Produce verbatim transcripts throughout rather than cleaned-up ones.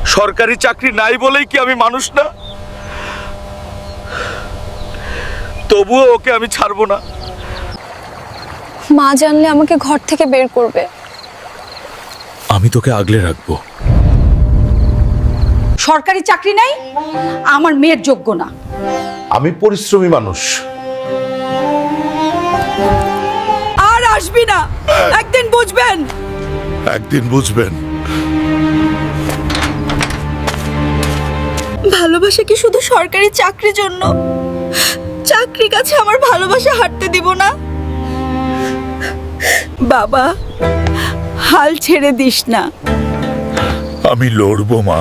সরকারি চাকরি নাই বলেই কি আমি মানুষ না? তবুও ওকে আমি ছাড়বো না। মা জানলে আমাকে ঘর থেকে বের করবে। আমি তোকে আগলে রাখবো। সরকারি চাকরি নাই, আমার মেয়ের যোগ্য না। আমি পরিশ্রমী মানুষ। আর আসবি না, একদিন বুঝবেন। একদিন বুঝবেন। ভালোবাসা কি শুধু সরকারি চাকরির জন্য? চাকরির কাছে আমার ভালোবাসা হাঁটতে দিব না। বাবা, হাল ছেড়ে দিস না। আমি লড়বো মা।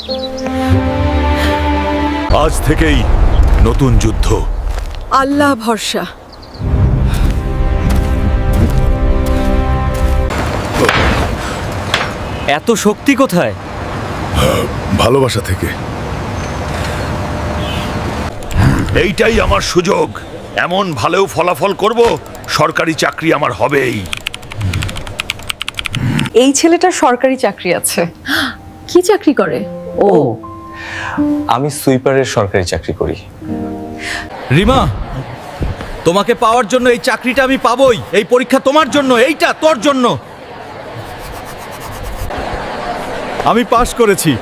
আজ থেকেই নতুন যুদ্ধ। আল্লাহ ভরসা। এত শক্তি কোথায়? ভালোবাসা থেকে। এইটাই আমার সুযোগ। এমন ভালো ফলাফল করব, সরকারি চাকরি আমার হবেই। এই ছেলেটার সরকারি চাকরি আছে। কি চাকরি করে ও? আমি সুইপারের সরকারি চাকরি করি। রিমা, তোমাকে পাওয়ার জন্য এই চাকরিটা আমি পাবই। এই পরীক্ষা তোমার জন্য, এইটা তোর জন্য। আমি পাশ করেছি।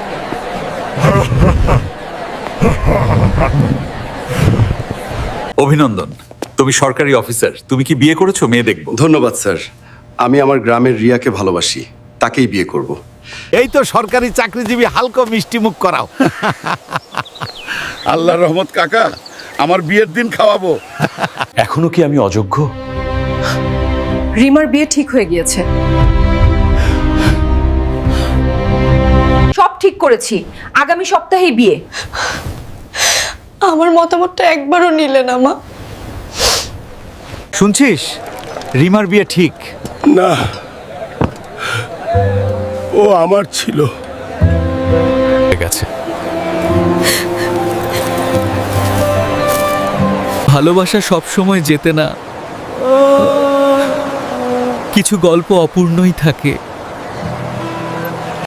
অভিনন্দন, তুমি সরকারি অফিসার। তুমি কি বিয়ে করেছো? মেয়ে দেখবো। ধন্যবাদ স্যার। আমি আমার গ্রামের রিয়াকে ভালোবাসি, তাকেই বিয়ে করব। এই তো সরকারি চাকরিজীবী, হালকা মিষ্টি মুখ করাও। আল্লাহর রহমত কাকা, আমার বিয়ের দিন খাওয়াবো। এখনো কি আমি অযোগ্য? রিমার বিয়ে ঠিক হয়ে গিয়েছে। সব ঠিক করেছি, আগামী সপ্তাহেই বিয়ে। আমার মতামতটা একবারও নিলে না মা। শুনছিস, রিমার বিয়ে ঠিক না, ও আমার ছিল। ঠিক আছে। ভালোবাসা সব সময় যেতে না, কিছু গল্প অপূর্ণই থাকে।